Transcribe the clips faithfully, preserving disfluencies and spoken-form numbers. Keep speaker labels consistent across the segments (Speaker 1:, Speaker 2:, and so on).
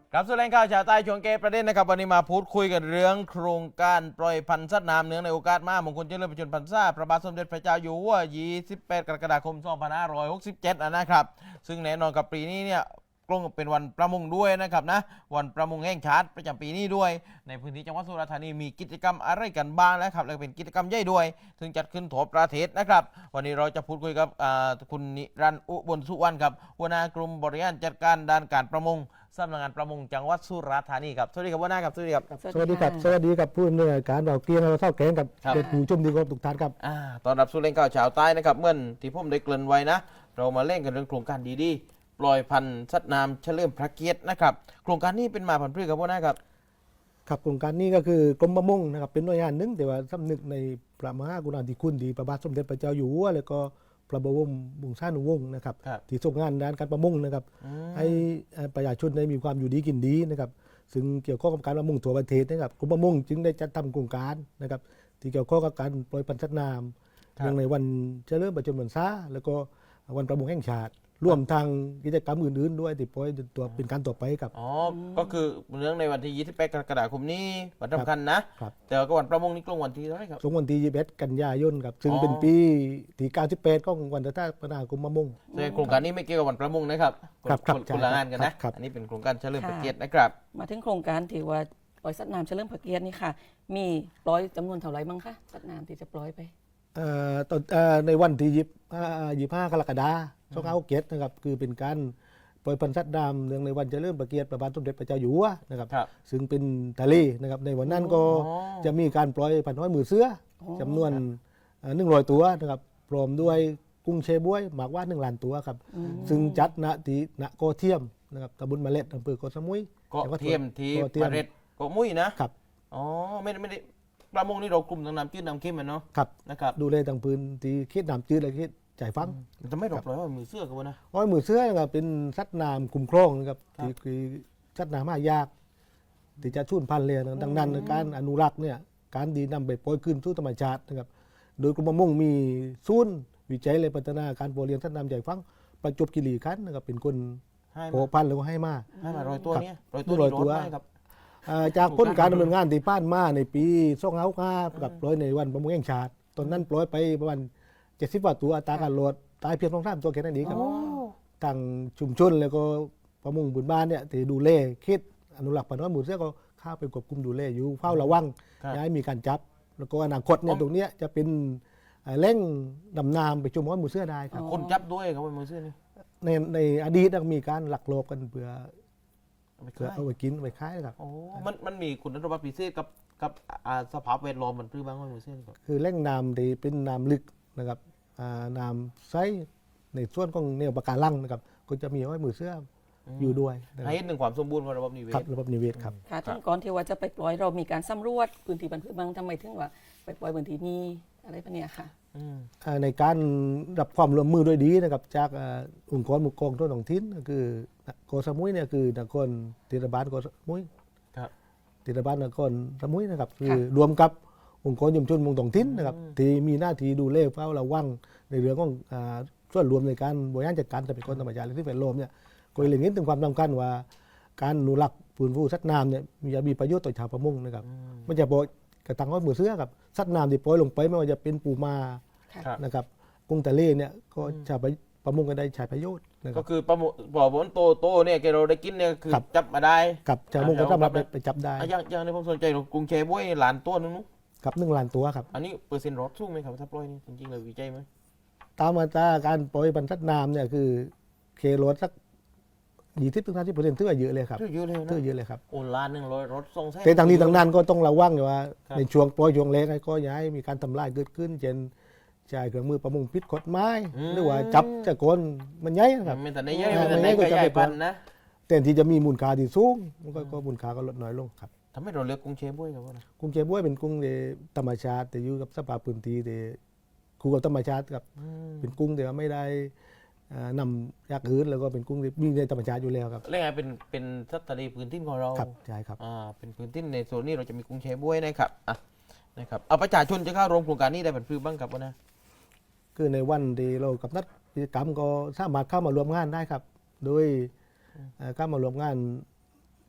Speaker 1: ครับส่วนแรงข่าวชาวใต้ช่วงเกประเด็นนะครับวันนี้มาพูดคุยกันเรื่องโครงการปล่อยพันธุ์สัตว์น้ำเนื่องในโอกาสมหามงคลเจริญพระชนมพรรษาพระบาทสมเด็จพระเจ้าอยู่หัวยี่สิบแปดกรกฎาคมสองพันห้าร้อยหกสิบเจ็ดนะครับซึ่งแน่นอนกับปีนี้เนี่ยกลงเป็นวันประมงด้วยนะครับนะวันประมงแห่งชาติประจำปีนี้ด้วยในพื้นที่จังหวัดสุราษฎร์ธานีมีกิจกรรมอะไรกันบ้างนะครับและเป็นกิจกรรมใหญ่ด้วยถึงจัดขึ้นทั่วประเทศนะครับวันนี้เราจะพูดคุยกับคุณนิรันดร์อุบลสุวรรณครับหัวหน้ากลุ่มบริหารจัดการด้านการประมงสำนักงานประมงจังหวัดสุราษฎร์ธานีครับสวัสดีครับหัวหน้าครับสวัสดีครับ
Speaker 2: สวัสดีครับสวัสดีครับผู้อำนวยการเราเกียงเราเท่าแกงกับเด็กผู้ชมดีครับทุกท่านครับ
Speaker 1: ตอนรับสู่เล่นข่าวชาวใต้นะครับเมื่อที่ผมได้เกริ่นไว้นะเรามาเล่นกันเรื่องโครงการดีๆปล่อยพันธุ์สัตว์น้ำเฉลิมพระเกียรตินะครับโครงการนี้เป็นมาผันพืชครับหัวหน้าครับ
Speaker 2: ครับโครงการนี้ก็คือกรมประมงนะครับเป็นหน่วยงานหนึ่งแต่ว่าสำนึกในพระมหากรุณาธิคุณดีพระบาทสมเด็จพระเจ้าอยู่หัวแล้วก็พระบรมวงศานุวงศ์นะครับที่ทรงงานด้านการประมงนะครับให้ประชาชนได้มีความอยู่ดีกินดีนะครับซึ่งเกี่ยวข้องกับการประมงทั่วประเทศนะครับกรมประมงจึงได้จัดทำโครงการนะครับที่เกี่ยวข้องกับการปล่อยพันธุ์สัตว์น้ำเนื่องในวันเฉลิมพระชนมพรรษาแล้วก็วันประมงแห่งชาติร่วมทางกิจกรรมอื่นๆด้วยที่ปล่อยตัวเป็นการต่อไปครับ
Speaker 1: อ๋อก็คือเรื่องในวันที่ยี่สิบแปดกรกฎาคมนี้วันสำคัญนะแต่ก็วันประมงนี่กลงวันที่เท่าไหร่ครับ
Speaker 2: ตรงวันที่ยี่สิบเอ็ดกันยายนครับซึ่งเป็นปีที่เก้าสิบแปดของวันสถาปนากรมประมง
Speaker 1: แต่โครงการนี้ไม่เกี่ยวกับวันประมงนะครับคนละงานกันนะอันนี้เป็นโครงการเฉลิมพระเกียรตินะครับ
Speaker 3: มาถึงโครงการที่ว่าปล่อยสัตว์น้ำเฉลิมพระเกียรตินี่ค่ะมีปล่อยจำนวนเท่าไหร่บ้างคะสัตว์น้ำที่จะปล่อยไป
Speaker 2: ตอนในวันที่ยี่สิบห้ากรกฎาคมสองพันห้าร้อยหกสิบเจ็ดนะครับคือเป็นการปล่อยพันธุ์สัตว์น้ำเนื่องในวันเฉลิมพระเกียรติพระบาทสมเด็จพระเจ้าอยู่หัวนะครับซึ่งเป็นทะเลนะครับในวันนั้นก็จะมีการปล่อยพันธุ์ห้อยมือเสือจำนวนหนึ่งร้อยตัวนะครับพร้อมด้วยกุ้งเชบวยหมากว่าหนึ่งล้านตัวครับซึ่งจัดณที่ณเกาะเทียมนะครับตำบลมะเล็ดอำเภอเกาะสมุย
Speaker 1: เกาะเทียมที่มะเล็ดเกาะมุ้ยนะครับอ๋อไม่ไม่ได้ประมงนี่เรากลุ่มทางน้ำจืดน้ำเค็มเนาะ
Speaker 2: ครับ
Speaker 1: นะครับ
Speaker 2: ดูแลทางพื้นที่เขตน้ำจืดและเขตจ่ายฟัง
Speaker 1: จะไม่หลบเลยว่ามือเสื้อกันวะนะ
Speaker 2: อ๋อมือเสื้อนะครับเป็นสัตว์น้ำคุ้มครองนะครับที่คือสัตว์น้ำหายากที่จะสูญพันธุ์เลยดังนั้นการอนุรักษ์เนี่ยการดีนำไปปล่อยคืนสู่ธรรมชาตินะครับโดยกรมประมงมีศูนย์วิจัยและพัฒนาการเพาะเลี้ยงสัตว์น้ำใหญ่ฟังประจวบคีรีขันธ์นะครับเป็นคนเพาะพันธุ์แล้วก็ให้มา
Speaker 1: ให้มาร้อยตัวเนี้ยร้อยตัว
Speaker 2: ร้อยตัวจากผลการดำเนินงานที่ผ่านมาในปีสองพันห้าร้อยห้ากับปล่อยในวันประมงแห่งชาติตอนนั้นปล่อยไปประมาณเจ็ดสิบกว่าตัวอัตราการโหลดตายเพียงสองสามตัวแค่นั้นเองครับทางชุมชนแล้วก็ประมงบุญบ้านเนี่ยที่ดูแลเขตอนุรักษ์พันธุ์น้อยหมู่เสือก็เข้าไปควบคุมดูแลอยู่เฝ้าระวังย้ายมีการจับแล้วก็อนาคตเนี่ยตรงนี้จะเป็นแหล่งดำน้ำไปชมน้อยหมู่เสือได้ครับ
Speaker 1: คนจับด้วยครับหมู่เสือนี่
Speaker 2: ในในอดีตมีการหลักโลบกันเพื่อเพื่อเอาไปกินไปขายครับ
Speaker 1: โอ้มันมันมีคุณสมบัติพิเศษกับกับสภาพแวดล้อมมันพื้นบ้างหมู่เสือครับ
Speaker 2: คือแหล่งน้ำที่เป็นน้ำลึกนะครับน้ำใสในส่วนของแนวปะการังนะครับก็จะมีห้อยมือเสื้ออยู่ด้วย
Speaker 1: ให้หนึ่งความสมบูรณ์ของระบบนิเวศ
Speaker 2: ครับระบบนิเวศครับ
Speaker 3: ค่ะท่านก่อนที่ว่าจะไปปล่อยเรามีการสำรวจพื้นที่บรรพบางทำไมถึงว่าไปปล่อยพื้นที่นี้อะไรพวกนี้ค่ะ
Speaker 2: ในการรับความร่วมมือด้วยดีนะครับจากองค์กรมุกกองทั่วท้องถิ่นก็คือเกาะสมุยเนี่ยคือนครเทศบาลเกาะสมุยเทศบาลนครสมุยนะครับคือรวมกับองค์กรชุมชนเมืองท้องถิ่นนะครับที่มีหน้าที่ดูแลเฝ้าระวังในเรื่องของส่วนรวมในการบริหารจัดการทรัพยากรธรรมชาติและสิ่งแวดล้อมเนี่ยก็เลยเห็นถึงความสำคัญว่าการอนุรักษ์ฟื้นฟูสัตว์น้ำเนี่ยมีประโยชน์ต่อชาวประมงนะครับไม่ใช่บอกกระตังห้อยมือเสื้อกับสัตว์น้ำที่ปล่อยลงไปไม่ว่าจะเป็นปูม้านะครับกุ้งทะเลเนี่ยก็ชาวประมงก็ได้ใช้ประโยชน์
Speaker 1: ก็คือประมงบ่อบนโตโตเนี่ยเราได้กินเนี่ยคือจับมาได้
Speaker 2: กับชาวประมงก็สามารถไปจับได้
Speaker 1: อย่างอย่างในผมสนใจกุ้งแชบ้วยหลานตัวนึงนู้
Speaker 2: กับหนึ่งล้านตัวครับ
Speaker 1: อันนี้เปอร์เซ็นต์รอดสูงไหมครับถ้าปล่อยนี่จริงๆเลยวิจัยไหม
Speaker 2: ตามมาตราการปล่อยพันธุ์สัตว์น้ำเนี่ยคือเครถสักยี่สิบถึงสามสิบเปอร์เซ็นต์ถือว่าเยอะเลยครับ
Speaker 1: ถือเยอะเลยนะ
Speaker 2: ถือเยอะเลยครับ
Speaker 1: โอ้ล้านหนึ่งร้อยรถส่งแท้
Speaker 2: แต่ทางนี้ทางนั้นก็ต้องระวังอยู่ว่าในช่วงปล่อยช่วงแรกก็อย่าให้มีการทำลายเกิดขึ้นเช่นใช้เครื่องมือประมงผิดกฎหมายหรือว่าจับจะโกนมันใหญ่นะครับ
Speaker 1: ไม่แต่ในใหญ่ไม่แต่ในก็ใหญ่ปันนะ
Speaker 2: แต่ที่จะมีมูลค่าที่สูงมันก็มูลค่าก็ลดน้อยลงครับ
Speaker 1: ทำให้เราเลือกกุ้งเชฟบ้วยครับว่า
Speaker 2: กุ้งเชฟบ้วยเป็นกุ้งธรรมชาติแต่อยู่กับสภาพพื้นที่แต่คู่กับธรรมชาติครับเป็นกุ้งแต่ว่าไม่ได้นำยากอื่นแล้วก็เป็นกุ้งที่มีในธรรมชาติอยู่แล้วครับ
Speaker 1: แล้วไงเป็นเป็นสัตว์ทะเลพื้นที่ของเรา
Speaker 2: ครับใช่ครับ
Speaker 1: อ่าเป็นพื้นที่ในโซนนี้เราจะมีกุ้งเชฟบ้วยนะครับอ่ะนะครับเอาประชาชนจะเข้าร่วมโครงการนี้ได้เป็นพื้นบ้างครับว่านะ
Speaker 2: คือในวันที่เรากับนัดกิจกรรมก็สามารถเข้ามารวมงานได้ครับโดยเข้ามารวมงาน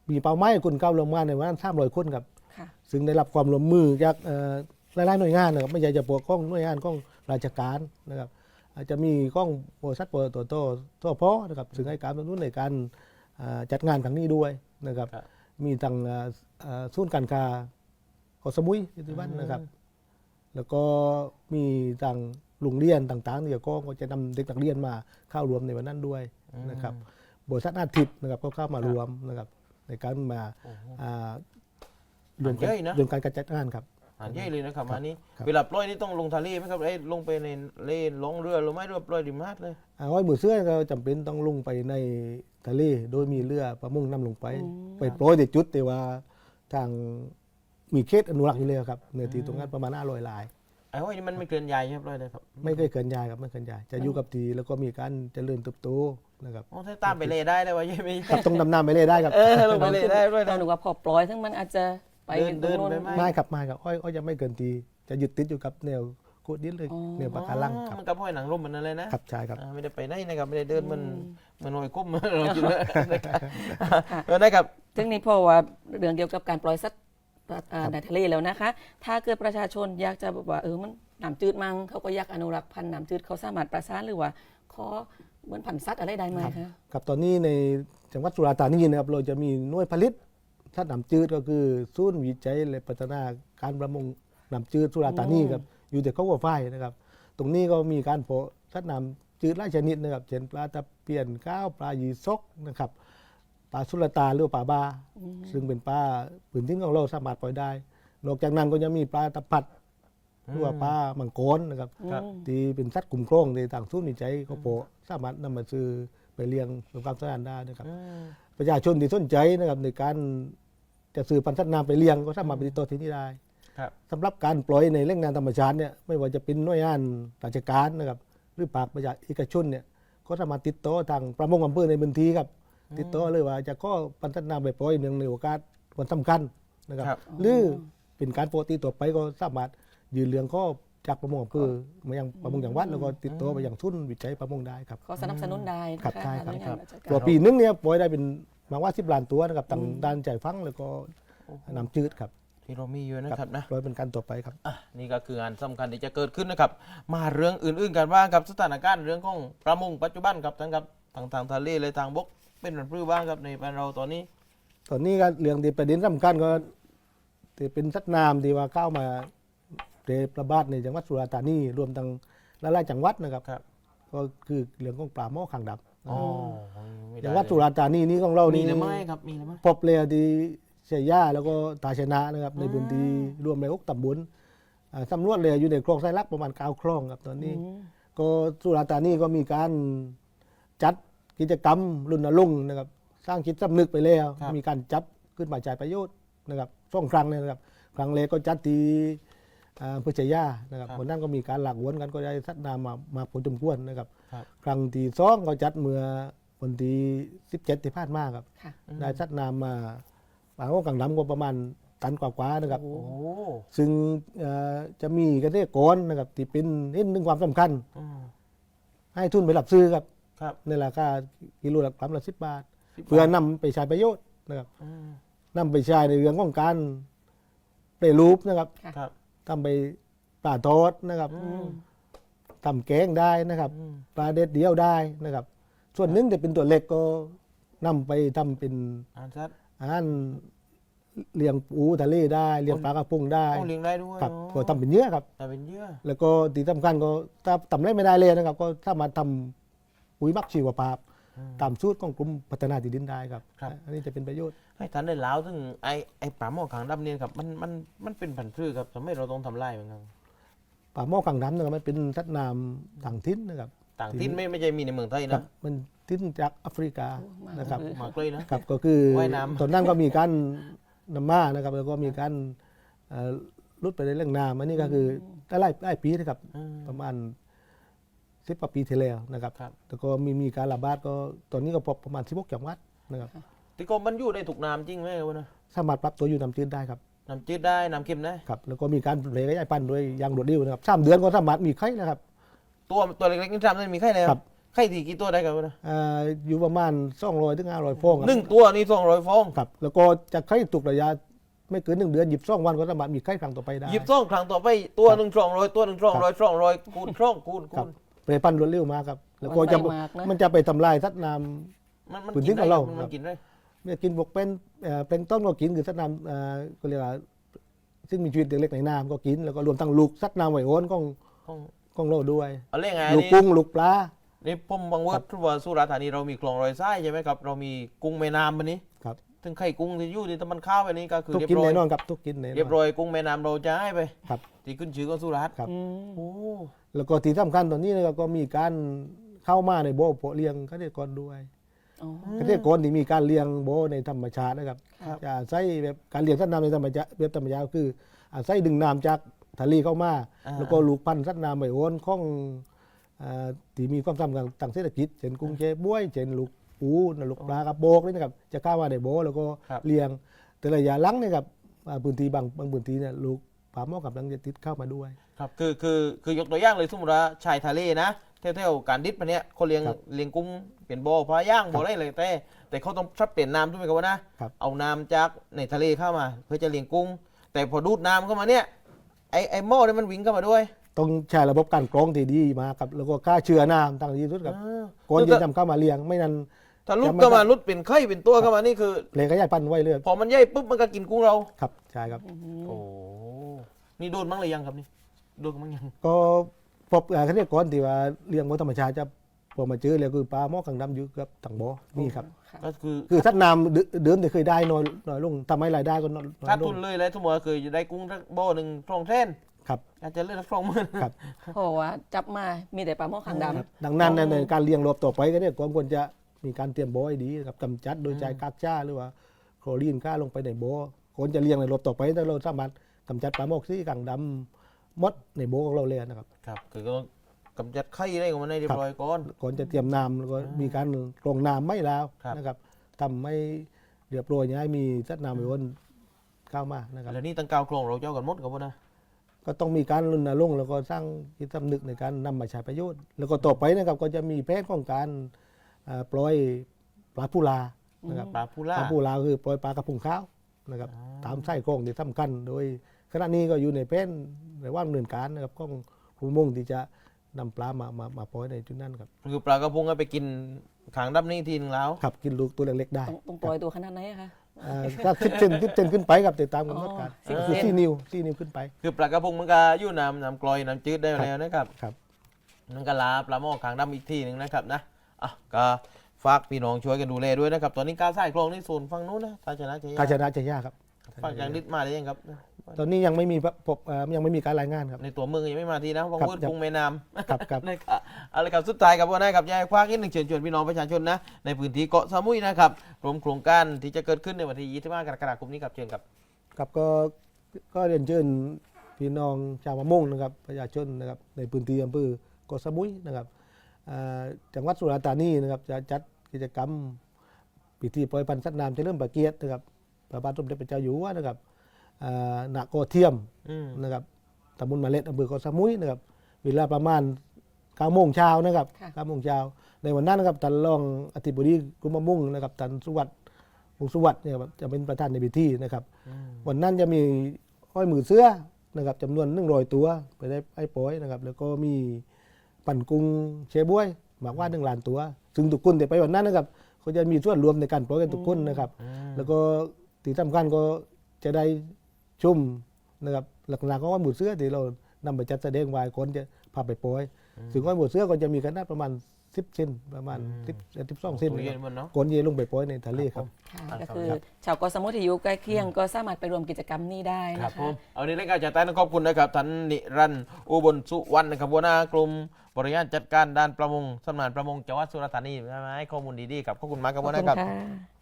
Speaker 2: มีเป้าหมายคนเข้าร่วมงานในวันนั้นสามร้อยคนครับ
Speaker 3: ค่ะ
Speaker 2: ซึ่งได้รับความร่วมมือจากเอ่อหลายๆหน่วยงานนะครับไม่ใช่จะปกป้องหน่วยงานของราชการนะครับอาจจะมีข้องบริษัทปตททพนะครับซึ่งให้การสนับสนุนในการอ่าจัดงานครั้งนี้ด้วยนะครับ
Speaker 1: ครับ
Speaker 2: มีทางอ่าอ่าศูนย์การค้าเกาะสมุยที่บ้านนะครับ แล้วก็มีทางโรงเรียนต่างๆเนี่ยก็ก็จะนำเด็กนักเรียนมาเข้ารวมในวันนั้นด้วยนะครับบริษัทอาทิตย์นะครับก็เข้ามารวมนะครับในการมาอ่ารวมกัน
Speaker 1: เยอะนะ
Speaker 2: รวมการจัดงานครับ
Speaker 1: อ่านเยอะเลยนะครับอันนี้
Speaker 2: ครับ
Speaker 1: เวลาปล่อยนี่ต้องลงทะเลไหมครับไอ้ยลงไปในเลนลงเรือหรือไม่เรือปล่อยริมหาดเลย
Speaker 2: อ่าอ้อยมือเสื้อก็จำเป็นต้องลงไปในทะเลโดยมีเรือประมงนำลงไป ไปโปรยในจุดแต่ว่าทางมีเขตอนุรักษ์อยู่เลยครับในที่ตรงนั้นประมาณห้าร้อยลาย
Speaker 1: ไอ้ห้อยนี่มันไม่เกินใหญ่ใช่ไหมปล่อยเลยครับ
Speaker 2: ไม่เคยเกินยายครับไม่เกินยายจะอยู่กับทีแล้วก็มีการเจริญเติบโตนะครับ
Speaker 1: โอ้ถ้าตามไปเลได้เลยว่ายังไม่
Speaker 2: ครับต้องดำน้ำไปเลยได้ครับ
Speaker 1: เออลงไปเลได้ด้วย
Speaker 3: เรา
Speaker 1: นะ
Speaker 3: หนูว่าพอปล่อยทั้งมันอาจจะไป
Speaker 1: เดิน
Speaker 3: ตรงโน้น
Speaker 1: เดินไปไหม
Speaker 2: ไม่ครับไม่ครับอ้อยอ้อยจะไม่เกินทีจะยึดติดอยู่กับแนวโคดดินเลย
Speaker 3: อ๋อ
Speaker 2: แนวปะการังครับ
Speaker 1: มันกับห้อยหนังร่มมันอะไรนะครับ
Speaker 2: ใช่ครับ
Speaker 1: อ่าไม่ได้ไปไหนนะครับไม่ได้เดินมันมันหน่วยกุ้ม เรากินเลยเออได้ครับ
Speaker 3: ซึ่งนี่เพราะว่าเรื่องเกี่ยวกับการปล่อยสัตว์อ่าในทะเลแล้วนะคะ ถ้าเกิดประชาชนอยากจะแบบว่าเออมันน้ำจืดมั้งเขาก็อยากอนุรักษ์พันธุ์น้ำจืดเขาสามารถประสานหรือว่าขอเหมือนพันธุ์สัตว์อะไรได้ไหมคะ
Speaker 2: ครับตอนนี้ในจังหวัดสุราษฎร์ธานีนะครับเราจะมีหน่วยผลิตสัตว์น้ำจืดก็คือศูนย์วิจัยและพัฒนาการประมงน้ำจืดสุราษฎร์ธานีครับอยู่แต่เขาหัวไฟนะครับ ตรงนี้ก็มีการเพาะสัตว์น้ำจืดหลายชนิดนะครับเช่นปลาตะเพียนก้าวปลายีซกนะครับปลาสุลตาหรือว่าปลาบา ซึ่งเป็นปลาพื้นที่ของเราสามารถปล่อยได้ นอกจากนั้นก็ยังมีปลาตะพัดหรือว่าปลามังกรนะครับ
Speaker 1: ครับ
Speaker 2: ที่เป็นสัตว์กลุ่มโครงในต่างศูนย์วิจัยเขาโปะสามารถนำมาซื้อไปเลี้ยงสำหรับสถานได้นะครับ
Speaker 1: อืม
Speaker 2: ประชาชนที่สนใจนะครับในการจะซื้อพันธุ์สัตว์น้ำไปเลี้ยงก็สามารถไปติดต่อที่นี่ได้
Speaker 1: ครับ
Speaker 2: สำหรับการปล่อยในแหล่งน้ำธรรมชาติเนี่ยไม่ว่าจะเป็นหน่วยงานราชการนะครับหรือภาคประชาเอกชนเนี่ยก็สามารถติดต่อทางประมงอำเภอในพื้นที่ครับติดต่อเลยว่าจะก็พันธุ์สัตว์น้ำไปปล่อยเนื่องในโอกาสวันสำคัญนะครับ
Speaker 1: ครับ
Speaker 2: หรือเป็นการปกติต่อไปก็สามารถยืนเรื่องข้อจากประมงอำเภอมายังประมงจังหวัดแล้วก็ติดต่อไปยังทุนวิจัยประมงได้ครับ
Speaker 3: ขอสนับสนุนได้นะ
Speaker 2: ครั
Speaker 3: คะ
Speaker 2: บใช่ครับ
Speaker 3: หน่วยงานราชการ
Speaker 2: ตัวปีนึงเนี่ยปล่อยได้เป็นมาว่าสิบล้านตัวนะครับต่างด้านใจฟังแล้วก็น้ำจืดครับ
Speaker 1: ที่เรามีอยู่นะครับนะ
Speaker 2: ปล่อยเป็นการต่อไปครับ
Speaker 1: อ่ะนี่ก็คืองานสำคัญที่จะเกิดขึ้นนะครับ มาเรื่องอื่นๆกันบ้างครับสถานการณ์เรื่องของประมงปัจจุบันครับทั้งครับทางทางทะเลและทางบกเป็นแบบรื้อบ้างครับในบ้านเราตอนนี้
Speaker 2: ตอนนี้ก็เรื่องที่ประเด็นสำคัญก็ที่เป็นสัตว์น้ำที่ว่าเข้ามาเรประบาดในจังหวัดสุราษฎร์ธานีรวมทั้งหลายๆจังหวัดนะครับ
Speaker 1: ครับ
Speaker 2: ก็คือเรื่องของปลาหม้อขังดับ
Speaker 1: อ๋อไม่ไ
Speaker 2: จังหวัดสุราษฎร์ธานีนี้ของเรา
Speaker 1: มี
Speaker 2: นี่
Speaker 1: หรือไม่ครับมีหรือไม่
Speaker 2: พบเลยที่เชียย่าแล้วก็ตาชนะนะครับในพื้นที่รวมในหกตำบลอ่าสำรวจเลยอยู่ในคลองไซรักประมาณเก้าคลองครับตอนนี้ ก็สุราษฎร์ธานีก็มีการจัดกิจกรรมรณรงค์นะครับสร้างจิตสำนึกไปแล้ว มีการจับขึ้นมาจ่ายประโยชน์นะครับสองครั้งเลยนะครับ ครั้งแรกก็จัดที่อ่าพุชยานะครับวันนั้นก็มีการหลักวนกันก็ได้สัตว์น้ำมามาผลจมควรนะครับ
Speaker 1: ครับ
Speaker 2: ครั้งที่สองก็จัดเมื่อวันที่สิบเจ็ดที่ผ่านมาครับ
Speaker 3: ค่ะ
Speaker 2: ได้สัตว์น้ำมาปลาโอ้กังดำก็ประมาณตันกว่าๆนะครับ
Speaker 1: โอ้
Speaker 2: ซึ่งเอ่อจะมีเกษตรกรนะครับที่เป็นเห็นถึงความสำคัญ
Speaker 1: อืม
Speaker 2: ให้ทุนไปหลับซื้อครับ
Speaker 1: ครับ
Speaker 2: ในราคากิโลละกรัมละสิบบาท
Speaker 1: สิบบาท
Speaker 2: เพื่อนำไปใช้ประโยชน์นะครับ
Speaker 1: อืม
Speaker 2: นำไปใช้ในเรื่องของการเปรรูปนะครับ
Speaker 1: ครับ
Speaker 2: ทำไปปลาทอดนะครับ
Speaker 1: อืม
Speaker 2: ทำแกงได้นะครับ
Speaker 1: อืม
Speaker 2: ปลาเด็ดเดียวได้นะครับ ส่วนหนึ่งแต่เป็นตัวเล็กก็นำไปทำเป็น
Speaker 1: อ่านชัด
Speaker 2: อาหารเลี้ยงปูทะเลได้เลี้ยงปลากระพงได้
Speaker 1: โอ้เลี้ยงได้ด้วย
Speaker 2: ครับ
Speaker 1: อ๋อ
Speaker 2: ก็ทำเป็นเยอะครับ
Speaker 1: แต่เป็นเยื่อ
Speaker 2: แล้วก็ที่สำคัญก็ถ้าทำไรไม่ได้เลยนะครับ ก็สามารถทำปุ๋ยหมักชีวภาพตามสูตรของกรมพัฒนาที่ดินได้ครับ อันนี้จะเป็นประโยชน์
Speaker 1: ให้ท่านได้เล่าถึงไอ้ไอ้ปลาหม้อขางดำเนี่ยครับมันมันมันเป็นผันธุ์พืชครับทำให้เราต้องทำลายมันครับ
Speaker 2: ป่าหม้อกังดำนะครับมันเป็นสัตว์น้ำต่างถิ่นนะครับ
Speaker 1: ต่างที่ไม่ไม่ใช่มีในเมืองไทย
Speaker 2: ครั
Speaker 1: นะ
Speaker 2: บมันถิ่นจากแอฟริกานะครับ
Speaker 1: มากเลยนะครับ
Speaker 2: ก็คือ
Speaker 1: ว่ายน้ำ
Speaker 2: ตอนนั้นก็มีการนำมานะครับ แล้วก็มีการเอ่อลุดไปในเรื่องน้ำอันนี้ก็คือได้ไล่ไล่ปีนะครับ
Speaker 1: อืม
Speaker 2: ประมาณสิบกว่าปีที่แล้วนะครับ
Speaker 1: ครับ
Speaker 2: แล้วก็มีมีการระบาดก็ตอนนี้ก็พบประมาณสิบหกจังหวัดนะครับ
Speaker 1: ที่กรมมันอยู่ได้ถูกน้ำจริงไหมวะนะ
Speaker 2: สามารถปรับตัวอยู่น้ำจืดได้ครับ
Speaker 1: น้ำจืดได้น้ำเค็มได้
Speaker 2: ครับ แล้วก็มีการเผยขยายพันธุ์ด้วยอยางรวดเร็วนะครับสามเดือนก็สามารถมีไข่นะครับ
Speaker 1: ตัวตัวเล็กๆนี่ทำได้มีไข่แล้ว
Speaker 2: ครับ
Speaker 1: ไข่ตีกี่ตัวได้ครับนะ
Speaker 2: อ่าอยู่ประมาณสองร้อยถึงห้าร้อยฟองครับ
Speaker 1: หนึ่งตัวนี่สองร้อยฟอง
Speaker 2: ครับแล้วก็จะไข่ตุกระยะไม่เกินหนึ่งเดือนหยิบซ่องวันก็สามารถมีไข่ครั้งต่อไปได้
Speaker 1: หยิบซ่องครั้งต่อไปตัวหนึ่งสองร้อยตัวหนึ่งสองร้อยสองร้อยคูณช่องคูณ
Speaker 2: ครั
Speaker 1: คู
Speaker 2: บ
Speaker 1: ณ
Speaker 2: เปรย์พันธุ์รวดเร็วมากครับแล้วก็จะ
Speaker 3: มันไวมากนะ
Speaker 2: มันจะไปทำลายสัตว์น้
Speaker 1: มันมัน
Speaker 2: พื้น
Speaker 1: กิ
Speaker 2: ที่
Speaker 1: น
Speaker 2: ขอ
Speaker 1: ได้
Speaker 2: งเรา
Speaker 1: มัน
Speaker 2: ครับ
Speaker 1: กินได้
Speaker 2: ำเนี่ยกินพวกเป็นเอ่อเป็นต้นก็กินคือสัตว์น้ำเอ่อก็เรียกว่าซึ่งมีชีวิตเล็กๆในน้ำก็กินแล้วก็รวมทั้งลูกสัตว์น้ำไหวโอนของ
Speaker 1: ต้อง
Speaker 2: ของเราด้วย
Speaker 1: เอาเรื่องไง
Speaker 2: ลูก
Speaker 1: นี่
Speaker 2: กุ้งลูกปลา
Speaker 1: นี่ผมบังเวิร์ดว่าสุราษฎร์ธานีเรามีคลองรอยทรายใช่ไหมครับเรามีกุ้งแม่น้ำวันนี้
Speaker 2: ครับ
Speaker 1: ถึงไข่กุ้งที่อยู่ที่ตะมันข้าวอันนี้ก็คือ
Speaker 2: ทุก
Speaker 1: เรีย
Speaker 2: กิน
Speaker 1: บร้อย
Speaker 2: แน่นอนครับทุกกินแน่นอน
Speaker 1: เรียบร้อยกุ้งแม่น้ำเราจะให้ไป
Speaker 2: ครับ
Speaker 1: ที่ขึ้นชื่อของสุราษฎร์
Speaker 2: ครับ
Speaker 3: อืม
Speaker 1: โอ้
Speaker 2: แล้วก็ที่สำคัญตอนนี้นะครับก็มีการเข้ามาในโบเพาะเลี้ยงเกษตรกรด้วย
Speaker 3: อ๋อ
Speaker 2: เกษตรกรที่มีการเลี้ยงโบในธรรมชาตินะครับ
Speaker 3: ครับ
Speaker 2: จะใช้แบบการเลี้ยงสัตว์น้ำในธรรมชาติแบบธรรมชาติคืออาศัยดึงน้ำจากทะเลเข้ามา
Speaker 1: อ่า
Speaker 2: แล้วก็ลูกพันธุ์สัตว์น้ำไหวโอนของอ่าที่มีความสำคัญทางเศรษฐกิจเช่นกุ้งเชฟบ้วยเช่นลูกปูนลูกปลากระโบกนี่นะครับจะเข้ามาในโบแล้วก็
Speaker 1: ครับ
Speaker 2: เลี้ยงแต่ระยะหลังเนี่ยครับอ่าพื้นที่บางบางพื้นที่เนี่ยลูกปลาหม้อกับลังจะติดเข้ามาด้วย
Speaker 1: ครับคือคือคือยกตัวอย่างเลยสมมติว่าชายทะเลนะเท่าๆการดิบอันเนี้ยเขาเลี้ยง
Speaker 2: ครับ
Speaker 1: เลี้ยงกุ้งเป็นบ่อปลาย่างบ่ออะไรเลยแต่แต่เขาต้องชับเปลี่ยนน้ำใช่ไหมครับว่านะครับ เอาน้ำจากในทะเลเข้ามา เพื่อจะเลี้ยงกุ้ง แต่พอดูดน้ำเข้ามาเนี่ยไอไอหม้อเนี่ยมันวิ่งเข้ามาด้วย
Speaker 2: ต้องใช้ระบบการกรองที่ดีมากครับแล้วก็ฆ่าเชื้อน้ำต่างที่สุดครับ
Speaker 1: อ่า
Speaker 2: ก่อนจะนำเข้ามาเลี้ยงไม่นั้น
Speaker 1: ถ้าลุดเข้ามาลุดเป็นไข่เป็นตัวเข้ามานี่คือ
Speaker 2: เลยขยายพันธุ์ไว้เลย
Speaker 1: พอมันใหญ่ปุ๊บมันก็กินกุ้งเรา
Speaker 2: ครับใช่ครับ
Speaker 1: โอ้นี่โดนมั้งหรือยังครับนี่โดนมั้งยัง
Speaker 2: ก็พบเกษตรกรที่ว่าเลี้ยงบนธรรมชาติจะพอมาเจอแล้วคือปลาหม้อขังดำอยู่กับถังบ่อนี่ครับ
Speaker 3: ค่ะ
Speaker 1: ก็คือ
Speaker 2: คือสัตว์น้ำเดิเดิมที่เคยได้น้อยน้อยลงทำให้รายได้ก็น้อยน้อ
Speaker 1: ถ้าย
Speaker 2: ล
Speaker 1: ทุ
Speaker 2: ง
Speaker 1: นเลยเลยสมมติว่าเคยจะได้กุ้งสักบ่อหนึ่งสองเส้น
Speaker 2: ครับ
Speaker 1: อาจจะเลือกสักสองหมื่น
Speaker 2: ครับ
Speaker 3: เพราะว่าจับมามีแต่ปลาหม้อขางด
Speaker 2: ครับดังนั้นในในการเลี้ยงรอบต่อไปก็เนี่ยควรจะมีการเตรียมบ่อให้ดีครับกำจัดโดยใช้กากจ้าหรือว่าโคลอรีนฆ่าลงไปในบ่อคนจะเลี้ยงในรอบต่อไปถ้าเราสามารถกำจัดปลาหมอกสีกังดำมดในบ่อของเราเลยนะครับ
Speaker 1: ครับคือก็ต้องกำจัดไข่ได้ของมันให้เรียบร้อยก่อน
Speaker 2: ก่อนจะเตรียมน้ำแล้วก็มีการกรองน้ำไม่แล้ว
Speaker 1: ครับ
Speaker 2: นะครับทำให้เรียบร้อยอย่าให้มีสัตว์น้ำไปวนเข้ามานะครับ
Speaker 1: แล้วนี่ตั้งกาวโครงเราเจ้ากันหมดกับว่านะ
Speaker 2: ก็ต้องมีการรณรงค์แล้วก็สร้างจิตสำนึกในการนำมาใช้ประโยชน์ แล้วก็ต่อไปนะครับก็จะมีแผนของการอ่าปล่อยปลาปูลานะครับ
Speaker 1: ปลาพู
Speaker 2: ป
Speaker 1: ล่า
Speaker 2: ลาปูลาคือปล่อยปลากระพงขาวนะครับตามไส้กรองที่สำคัญโดยขณะนี้ก็อยู่ในแผนในว่างเนินการนะครับของผู้มุ่งที่จะนำปลามามามาปล่อยในจุดนั้นครับ
Speaker 1: คือปลากระพงก็ไปกินขางดับนี่ทีนึงแล้ว
Speaker 2: ขับกินลูกตัวเล็กๆได้
Speaker 3: ำต้องต้องปล่อยตัวขนาดไหนอะคะ
Speaker 2: อ่าถ้าสิบเซนสิบเซนขึ้นไปครับติดตามกำหนดการ
Speaker 3: อ๋อ
Speaker 2: ก็คือ
Speaker 3: สิบเซน
Speaker 2: สี่นิ้วสี่นิ้วขึ้นไป
Speaker 1: คือปลากระพงมันก็อยู่น้ำน้ำกลอยน้ำจืดได้แล้วนะครับ
Speaker 2: ครับ
Speaker 1: นั่นก็ลาปลาหม้อขางดำอีกทีหนึ่งนะครับนะอ่ะก็ฝากพี่น้องช่วยกันดูแลด้วยนะครับ ตอนนี้การใส่คลองนี่โซนฝั่งนู้นนะตาชนะใจ
Speaker 2: การชนะจะยากครับ
Speaker 1: ฝั่งยางนิดมาได้ยังครับ
Speaker 2: ตอนนี้ยังไม่มีพบเอ่อยังไม่มีการรายงานครับ
Speaker 1: ในตัวเมืองยังไม่มาทีนะวัง
Speaker 2: ครับ
Speaker 1: วืดกรุงแม่น้ำ
Speaker 2: ครับครับ
Speaker 1: นะครับเอาละครับสุดท้ายครับว่านะครับยายคว้านิดหนึ่งเชิญชวนพี่น้องประชาชนนะในพื้นที่เกาะสมุยนะครับรวมโครงการที่จะเกิดขึ้นในวันที่ยี่สิบห้ากรกฎาคมนี้ครับเชิญครับ
Speaker 2: ครับก็ก็เรียนเชิญพี่น้องชาวมะม่วงนะครับประชาชนนะครับในพื้นที่อำเภอเกาะสมุยนะครับอ่าจังหวัดสุราษฎร์ธานีนะครับจะจัดกิจกรรมพิธีปล่อยพันธุ์สัตว์น้ำเฉลิมพระเกียรตินะครับพระบาทสมเด็จพระเจ้าอยู่หัวนะครับอ่าณเกาะเทียม
Speaker 1: อืม
Speaker 2: นะครับตำบลมาเล็ดอำเภอเกาะสมุยนะครับเวลาประมาณเก้าโมงเช้านะครับ
Speaker 3: ค่ะ
Speaker 2: เก้าโมงเช้าในวันนั้นนะครับท่านรองอธิบดีกรมมะม่วงนะครับท่านสุวัสดิ์วงศ์สุวัสดิ์เนี่ยครับจะเป็นประธานในพิธีนะครับ
Speaker 1: อืม
Speaker 2: วันนั้นจะมีห้อยมือเสื้อนะครับจำนวนหนึ่งร้อยตัวไปได้ไอ้ปอยนะครับแล้วก็มีปั่นกุ้งเชบวยหมากว่าหนึ่งล้านตัว ซึ่งทุกคนที่ไปวันนั้นนะครับเขาจะมีส่วนรวมในการปล่อยกันทุกคนนะครับ
Speaker 1: อืม
Speaker 2: แล้วก็ที่สำคัญก็จะได้ชุ่มนะครับหลักๆก็ว่าหมูเสื้อที่เรานำไปจัดแสดงไว้คนจะพาไปปล่อยถึงว่าหมูเสื้อก็จะมีขนาดประมาณสิบเซนประมาณสิบสิบสองเซน
Speaker 1: ตัว
Speaker 2: นะ
Speaker 1: เย็
Speaker 2: คน รับ
Speaker 1: มันเนาะ
Speaker 2: คนเยลงไปปล่อยในทะเลครับ
Speaker 3: ค่ะ
Speaker 1: อ่า
Speaker 3: ก็
Speaker 1: ครับ
Speaker 3: คือ
Speaker 1: ครับ
Speaker 3: ชาวเกาะสมุทรที่อยู่ใกล้เคียงก็สามารถไปร่วมกิจกรรมนี้ได้
Speaker 1: ครั
Speaker 3: นะ
Speaker 1: บผ
Speaker 3: คะ
Speaker 1: มเอานี้รายการจัดการขอบคุณนะครับท่านนิรันดร์อุบลสุวรรณนะครับหัวหน้ากลุ่มบริหารจัดการด้านประมงสำนักงานประมงจังหวัดสุราษฎร์ธานีใช่ไหมให้ข้อมูลดีๆครับขอบคุณมากครับ
Speaker 3: ขอบ
Speaker 1: หัวห
Speaker 3: คุ
Speaker 1: น้า
Speaker 3: ณ
Speaker 1: ครับ
Speaker 3: ค่ะ